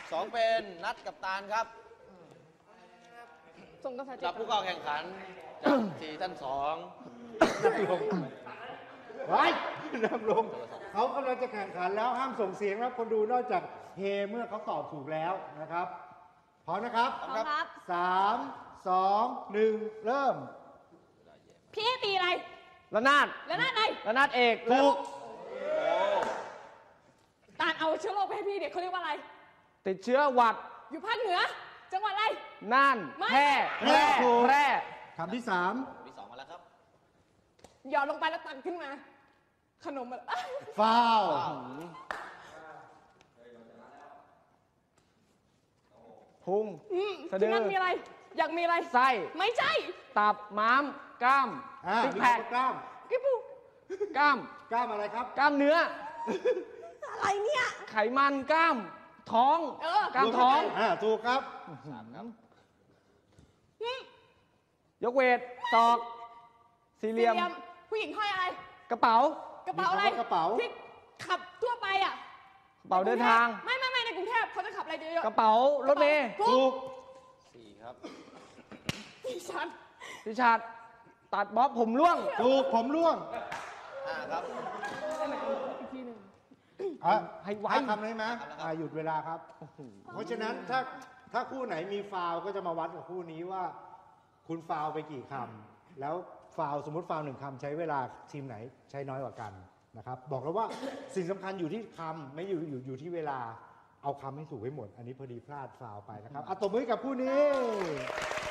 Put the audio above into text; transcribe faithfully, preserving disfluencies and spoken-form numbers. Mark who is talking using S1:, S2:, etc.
S1: สองเป็นนัดกับตาลครับ
S2: ส่งกาแฟ
S1: จับผู้เข้าแข่งขันจากสี่ท่านสอง
S3: นั่งลงไว้นั่งลงเขากำลังจะแข่งขันแล้วห้ามส่งเสียงแล้วคนดูนอกจากเฮเมื่อเขาตอบถูกแล้วนะครับพร้อมนะครับ
S2: พร้อมครับ
S3: สามสองหนึ่งเริ่ม
S2: พี่ตีอะไร
S4: ระนาด
S2: แล้วนั่นอะไร
S4: ระนาดเอก
S3: ถูก
S2: ตาลเอาเชื้อโรคไปให้พี่เด็กเขาเรียกว่าอะไร
S4: ติดเชื้อหวัด
S2: อยู่ภาคเหนือ จังหวัดอะไร
S4: น่าน
S2: ไม่
S4: แพร่แพร่แพร่
S3: คำที่สาม
S1: ที่สองมาแล้วครับ
S2: หยอดลงไปแล้วตักขึ้นมา ขนมอะไร
S3: ฟาว
S4: พุง
S2: อืม
S4: สะดือ
S2: ที่นั่นมีอะไร อยากมีอะไร
S4: ไส้
S2: ไม่ใช่
S4: ตับม้ามกล้าม
S3: อ่า
S4: ซิก
S3: มี
S4: แพค
S3: กล้าม
S2: กิ๊บปู
S4: กล้าม
S3: กล้ามอะไรครับ
S4: กล้ามเนื้อ
S2: อะไรเนี่ย
S4: ไขมันกล้าม ท้อง
S2: เออ
S4: กล้ามท้อง
S3: อ่าถูกครับ
S1: สามครับ
S2: อืม
S4: ยกเวทศอก สี่เหลี่ยม
S2: ผู้หญิงห้อยอะไร
S4: กระเป๋า
S2: กระเป๋าอะไร
S3: มีคำว่ากระเป๋า
S2: ที่ขับทั่วไปอ่ะ
S4: กระเป๋าเดินทาง
S2: ไม่ไม่ไม่ในกรุงเทพเขาจะขับอะไรเยอะๆ
S4: กระเป๋ารถเมล์
S2: ถู
S3: ถู
S2: ก
S3: ก
S1: สี่ครับ
S2: ดิฉัน
S4: พิชาดตัดบ๊อบผมร่วง
S3: ถูกผมร่วง
S1: ห้าครับ
S2: อีกทีหนึ่ง
S3: อ่ะ
S4: ให้ไว
S3: ห้าคำได้ไหมอ่ะหยุดเวลาครับ เพราะฉะนั้นถ้าถ้าคู่ไหนมีฟาวล์ก็จะมาวัดกับคู่นี้ว่า คุณฟาวล์ไปกี่คำแล้วฟาวล์สมมติฟาวล์หนึ่งคำใช้เวลาทีมไหนใช้น้อยกว่ากันนะครับ บอกแล้วว่าสิ่งสำคัญอยู่ที่คำไม่อยู่อยู่อยู่ที่เวลาเอาคำให้ถูกให้หมด อันนี้พอดีพลาดฟาวล์ไปนะครับอ่ะตบมือให้กับคู่นี้